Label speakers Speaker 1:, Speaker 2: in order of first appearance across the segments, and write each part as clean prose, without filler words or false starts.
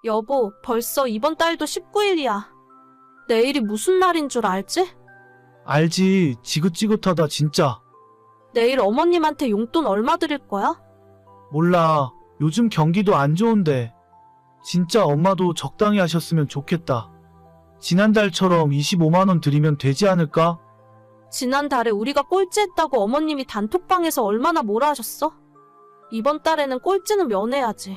Speaker 1: 여보, 벌써 이번 달도 19일이야. 내일이 무슨 날인 줄 알지?
Speaker 2: 알지. 지긋지긋하다 진짜.
Speaker 1: 내일 어머님한테 용돈 얼마 드릴 거야?
Speaker 2: 몰라. 요즘 경기도 안 좋은데. 진짜 엄마도 적당히 하셨으면 좋겠다. 지난달처럼 25만 원 드리면 되지 않을까?
Speaker 1: 지난달에 우리가 꼴찌했다고 어머님이 단톡방에서 얼마나 뭐라 하셨어? 이번 달에는 꼴찌는 면해야지.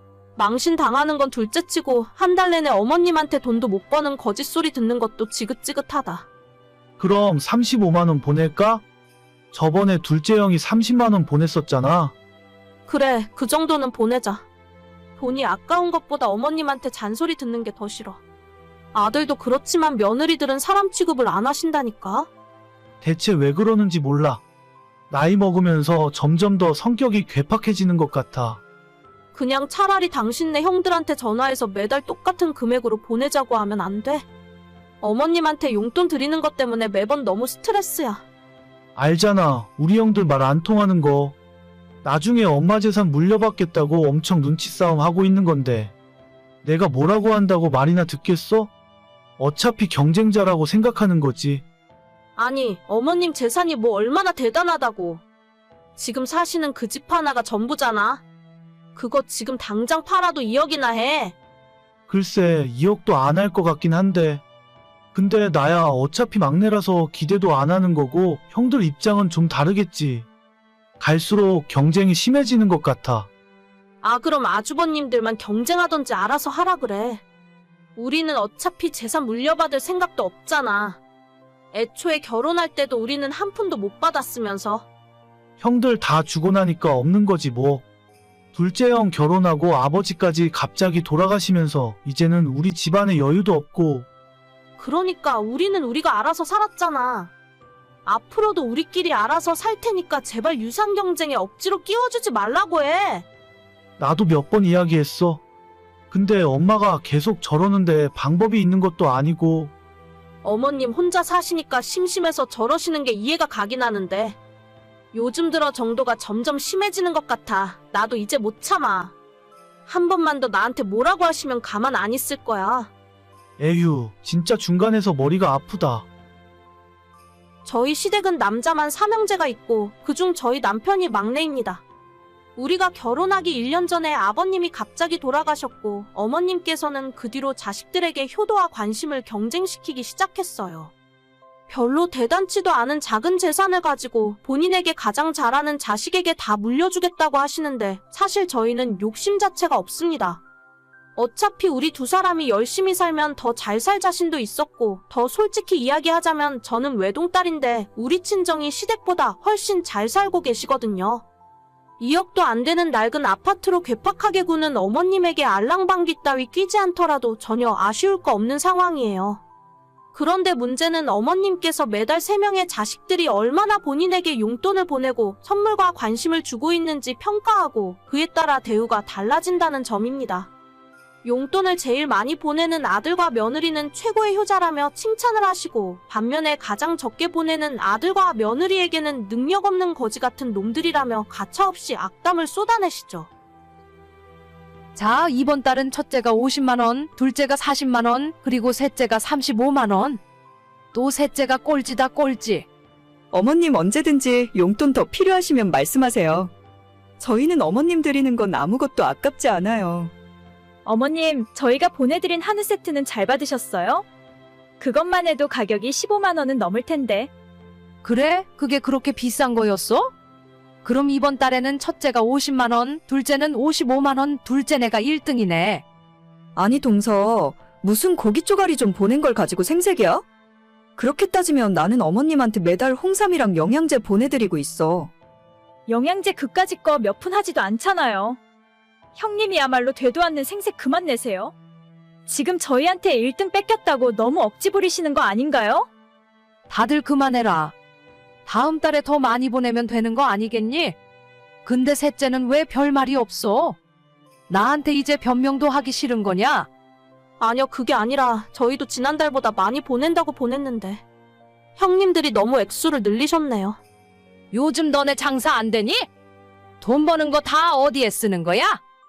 Speaker 1: 망신 당하는 건 둘째치고 한 달 내내 어머님한테 돈도 못 버는 거짓소리 듣는 것도 지긋지긋하다.
Speaker 2: 그럼 35만 원 보낼까? 저번에 둘째 형이 30만 원 보냈었잖아.
Speaker 1: 그래, 그 정도는 보내자. 돈이 아까운 것보다 어머님한테 잔소리 듣는 게 더 싫어. 아들도 그렇지만 며느리들은 사람 취급을 안 하신다니까.
Speaker 2: 대체 왜 그러는지 몰라. 나이 먹으면서 점점 더 성격이 괴팍해지는 것 같아.
Speaker 1: 그냥 차라리 당신네 형들한테 전화해서 매달 똑같은 금액으로 보내자고 하면 안 돼? 어머님한테 용돈 드리는 것 때문에 매번 너무 스트레스야.
Speaker 2: 알잖아. 우리 형들 말 안 통하는 거. 나중에 엄마 재산 물려받겠다고 엄청 눈치 싸움 하고 있는 건데. 내가 뭐라고 한다고 말이나 듣겠어? 어차피 경쟁자라고 생각하는 거지.
Speaker 1: 아니, 어머님 재산이 뭐 얼마나 대단하다고. 지금 사시는 그 집 하나가 전부잖아. 그거 지금 당장 팔아도 2억이나 해.
Speaker 2: 글쎄 2억도 안 할 것 같긴 한데. 근데 나야 어차피 막내라서 기대도 안 하는 거고 형들 입장은 좀 다르겠지. 갈수록 경쟁이 심해지는 것 같아.
Speaker 1: 아, 그럼 아주버님들만 경쟁하던지 알아서 하라 그래. 우리는 어차피 재산 물려받을 생각도 없잖아. 애초에 결혼할 때도 우리는 한 푼도 못 받았으면서.
Speaker 2: 형들 다 주고 나니까 없는 거지 뭐. 둘째 형 결혼하고 아버지까지 갑자기 돌아가시면서 이제는 우리 집안에 여유도 없고.
Speaker 1: 그러니까 우리는 우리가 알아서 살았잖아. 앞으로도 우리끼리 알아서 살 테니까 제발 유산 경쟁에 억지로 끼워주지 말라고 해.
Speaker 2: 나도 몇 번 이야기했어. 근데 엄마가 계속 저러는데 방법이 있는 것도 아니고.
Speaker 1: 어머님 혼자 사시니까 심심해서 저러시는 게 이해가 가긴 하는데 요즘 들어 정도가 점점 심해지는 것 같아. 나도 이제 못 참아. 한 번만 더 나한테 뭐라고 하시면 가만 안 있을 거야.
Speaker 2: 에휴, 진짜 중간에서 머리가 아프다.
Speaker 1: 저희 시댁은 남자만 3형제가 있고 그중 저희 남편이 막내입니다. 우리가 결혼하기 1년 전에 아버님이 갑자기 돌아가셨고 어머님께서는 그 뒤로 자식들에게 효도와 관심을 경쟁시키기 시작했어요. 별로 대단치도 않은 작은 재산을 가지고 본인에게 가장 잘하는 자식에게 다 물려주겠다고 하시는데 사실 저희는 욕심 자체가 없습니다. 어차피 우리 두 사람이 열심히 살면 더 잘 살 자신도 있었고 더 솔직히 이야기하자면 저는 외동딸인데 우리 친정이 시댁보다 훨씬 잘 살고 계시거든요. 2억도 안 되는 낡은 아파트로 괴팍하게 구는 어머님에게 알랑방귀 따위 끼지 않더라도 전혀 아쉬울 거 없는 상황이에요. 그런데 문제는 어머님께서 매달 3명의 자식들이 얼마나 본인에게 용돈을 보내고 선물과 관심을 주고 있는지 평가하고 그에 따라 대우가 달라진다는 점입니다. 용돈을 제일 많이 보내는 아들과 며느리는 최고의 효자라며 칭찬을 하시고 반면에 가장 적게 보내는 아들과 며느리에게는 능력 없는 거지 같은 놈들이라며 가차없이 악담을 쏟아내시죠.
Speaker 3: 자, 이번 달은 첫째가 50만 원, 둘째가 40만 원, 그리고 셋째가 35만 원. 또 셋째가 꼴찌다 꼴찌.
Speaker 4: 어머님 언제든지 용돈 더 필요하시면 말씀하세요. 저희는 어머님 드리는 건 아무것도 아깝지 않아요.
Speaker 5: 어머님, 저희가 보내드린 한우 세트는 잘 받으셨어요? 그것만 해도 가격이 15만 원은 넘을 텐데.
Speaker 3: 그래? 그게 그렇게 비싼 거였어? 그럼 이번 달에는 첫째가 50만 원, 둘째는 55만 원, 둘째네가 1등이네.
Speaker 4: 아니 동서, 무슨 고기 쪼가리 좀 보낸 걸 가지고 생색이야? 그렇게 따지면 나는 어머님한테 매달 홍삼이랑 영양제 보내드리고 있어.
Speaker 5: 영양제 그까짓 거 몇 푼 하지도 않잖아요. 형님이야말로 되도 않는 생색 그만 내세요. 지금 저희한테 1등 뺏겼다고 너무 억지 부리시는 거 아닌가요?
Speaker 3: 다들 그만해라. 다음 달에 더 많이 보내면 되는 거 아니겠니? 근데 셋째는 왜 별말이 없어? 나한테 이제 변명도 하기 싫은 거냐?
Speaker 1: 아니요, 그게 아니라 저희도 지난달보다 많이 보낸다고 보냈는데 형님들이 너무 액수를 늘리셨네요.
Speaker 3: 요즘 너네 장사 안 되니? 돈 버는 거 다 어디에 쓰는 거야?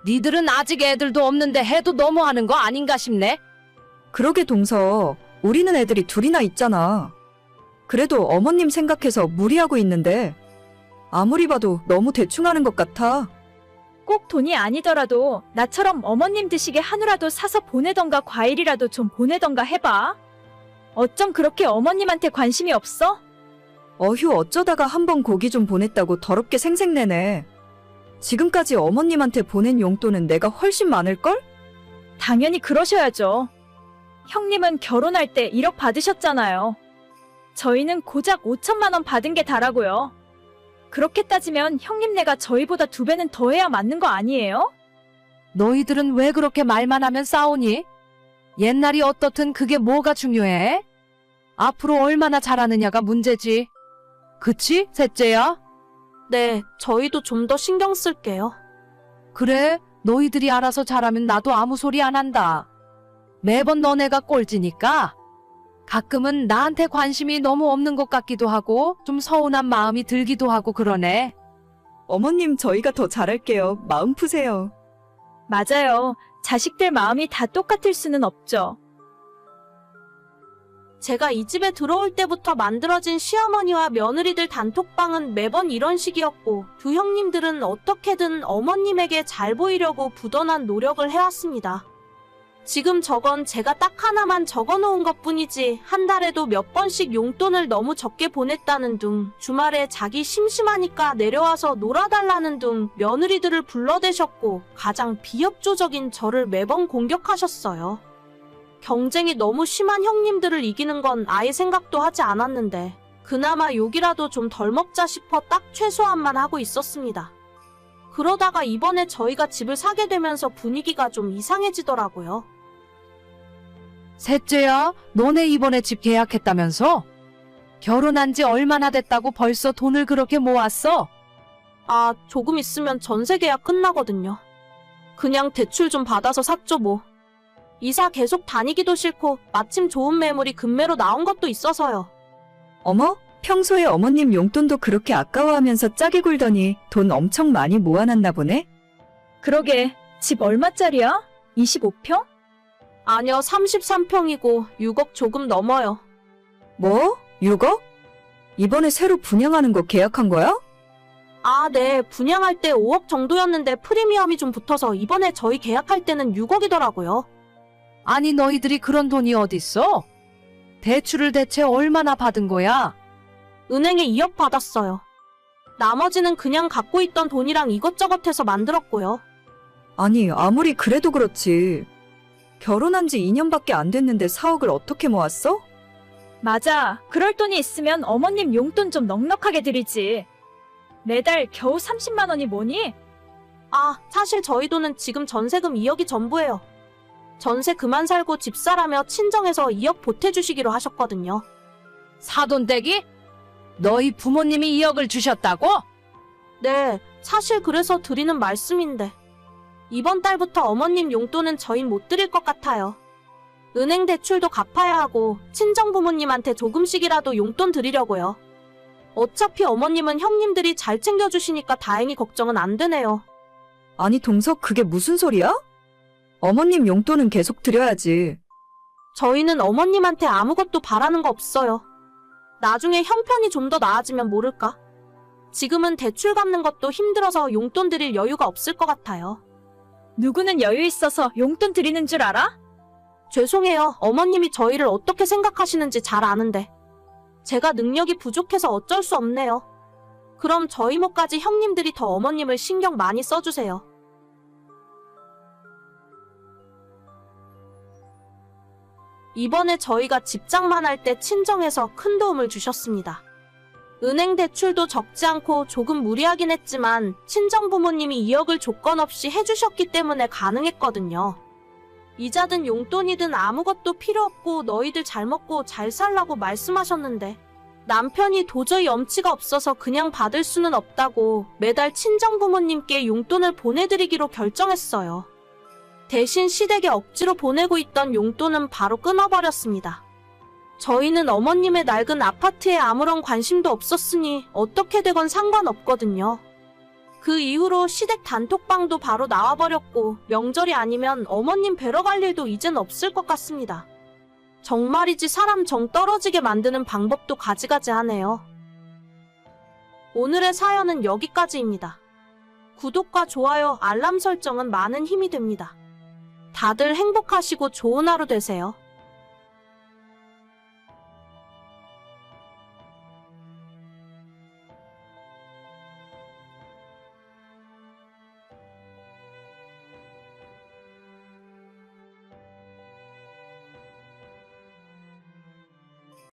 Speaker 3: 니들은 아직 애들도 없는데 해도 너무하는 거 아닌가 싶네.
Speaker 4: 그러게 동서, 우리는 애들이 둘이나 있잖아. 그래도 어머님 생각해서 무리하고 있는데 아무리 봐도 너무 대충 하는 것 같아.
Speaker 5: 꼭 돈이 아니더라도 나처럼 어머님 드시게 한우라도 사서 보내던가 과일이라도 좀 보내던가 해봐. 어쩜 그렇게 어머님한테 관심이 없어?
Speaker 4: 어휴, 어쩌다가 한번 고기 좀 보냈다고 더럽게 생색내네. 지금까지 어머님한테 보낸 용돈은 내가 훨씬 많을걸?
Speaker 5: 당연히 그러셔야죠. 형님은 결혼할 때 1억 받으셨잖아요. 저희는 고작 5천만 원 받은 게 다라고요. 그렇게 따지면 형님네가 저희보다 2배는 더 해야 맞는 거 아니에요?
Speaker 3: 너희들은 왜 그렇게 말만 하면 싸우니? 옛날이 어떻든 그게 뭐가 중요해? 앞으로 얼마나 잘하느냐가 문제지. 그치, 셋째야?
Speaker 1: 네, 저희도 좀 더 신경 쓸게요.
Speaker 3: 그래, 너희들이 알아서 잘하면 나도 아무 소리 안 한다. 매번 너네가 꼴찌니까 가끔은 나한테 관심이 너무 없는 것 같기도 하고 좀 서운한 마음이 들기도 하고 그러네.
Speaker 4: 어머님, 저희가 더 잘할게요. 마음 푸세요.
Speaker 5: 맞아요. 자식들 마음이 다 똑같을 수는 없죠.
Speaker 1: 제가 이 집에 들어올 때부터 만들어진 시어머니와 며느리들 단톡방은 매번 이런 식이었고, 두 형님들은 어떻게든 어머님에게 잘 보이려고 부단한 노력을 해왔습니다. 지금 저건 제가 딱 하나만 적어놓은 것뿐이지, 한 달에도 몇 번씩 용돈을 너무 적게 보냈다는 둥, 주말에 자기 심심하니까 내려와서 놀아달라는 둥 며느리들을 불러대셨고, 가장 비협조적인 저를 매번 공격하셨어요. 경쟁이 너무 심한 형님들을 이기는 건 아예 생각도 하지 않았는데, 그나마 욕이라도 좀 덜 먹자 싶어 딱 최소한만 하고 있었습니다. 그러다가 이번에 저희가 집을 사게 되면서 분위기가 좀 이상해지더라고요.
Speaker 3: 셋째야, 너네 이번에 집 계약했다면서? 결혼한 지 얼마나 됐다고 벌써 돈을 그렇게 모았어?
Speaker 1: 아, 조금 있으면 전세 계약 끝나거든요. 그냥 대출 좀 받아서 샀죠 뭐. 이사 계속 다니기도 싫고 마침 좋은 매물이 금매로 나온 것도 있어서요.
Speaker 4: 어머, 평소에 어머님 용돈도 그렇게 아까워하면서 짜게 굴더니 돈 엄청 많이 모아놨나 보네?
Speaker 5: 그러게, 집 얼마짜리야? 25평?
Speaker 1: 아니요, 33평이고 6억 조금 넘어요.
Speaker 4: 뭐? 6억? 이번에 새로 분양하는 거 계약한 거야?
Speaker 1: 아, 네. 분양할 때 5억 정도였는데 프리미엄이 좀 붙어서 이번에 저희 계약할 때는 6억이더라고요.
Speaker 3: 아니 너희들이 그런 돈이 어딨어? 대출을 대체 얼마나 받은 거야?
Speaker 1: 은행에 2억 받았어요. 나머지는 그냥 갖고 있던 돈이랑 이것저것 해서 만들었고요.
Speaker 4: 아니, 아무리 그래도 그렇지. 결혼한 지 2년밖에 안 됐는데 4억을 어떻게 모았어?
Speaker 5: 맞아. 그럴 돈이 있으면 어머님 용돈 좀 넉넉하게 드리지. 매달 겨우 30만 원이 뭐니?
Speaker 1: 아, 사실 저희 돈은 지금 전세금 2억이 전부예요. 전세 그만 살고 집 사라며 친정에서 2억 보태주시기로 하셨거든요.
Speaker 3: 사돈댁이? 너희 부모님이 2억을 주셨다고?
Speaker 1: 네, 사실 그래서 드리는 말씀인데. 이번 달부터 어머님 용돈은 저흰 못 드릴 것 같아요. 은행 대출도 갚아야 하고 친정 부모님한테 조금씩이라도 용돈 드리려고요. 어차피 어머님은 형님들이 잘 챙겨주시니까 다행히 걱정은 안 되네요.
Speaker 4: 아니, 동석, 그게 무슨 소리야? 어머님 용돈은 계속 드려야지.
Speaker 1: 저희는 어머님한테 아무것도 바라는 거 없어요. 나중에 형편이 좀 더 나아지면 모를까? 지금은 대출 갚는 것도 힘들어서 용돈 드릴 여유가 없을 것 같아요.
Speaker 5: 누구는 여유 있어서 용돈 드리는 줄 알아?
Speaker 1: 죄송해요. 어머님이 저희를 어떻게 생각하시는지 잘 아는데. 제가 능력이 부족해서 어쩔 수 없네요. 그럼 저희 모까지 형님들이 더 어머님을 신경 많이 써주세요. 이번에 저희가 집장만 할 때 친정에서 큰 도움을 주셨습니다. 은행 대출도 적지 않고 조금 무리하긴 했지만 친정 부모님이 2억을 조건 없이 해주셨기 때문에 가능했거든요. 이자든 용돈이든 아무것도 필요 없고 너희들 잘 먹고 잘 살라고 말씀하셨는데 남편이 도저히 염치가 없어서 그냥 받을 수는 없다고 매달 친정 부모님께 용돈을 보내드리기로 결정했어요. 대신 시댁에 억지로 보내고 있던 용돈은 바로 끊어버렸습니다. 저희는 어머님의 낡은 아파트에 아무런 관심도 없었으니 어떻게 되건 상관없거든요. 그 이후로 시댁 단톡방도 바로 나와버렸고 명절이 아니면 어머님 뵈러 갈 일도 이젠 없을 것 같습니다. 정말이지 사람 정 떨어지게 만드는 방법도 가지가지하네요. 오늘의 사연은 여기까지입니다. 구독과 좋아요, 알람 설정은 많은 힘이 됩니다. 다들 행복하시고 좋은 하루 되세요.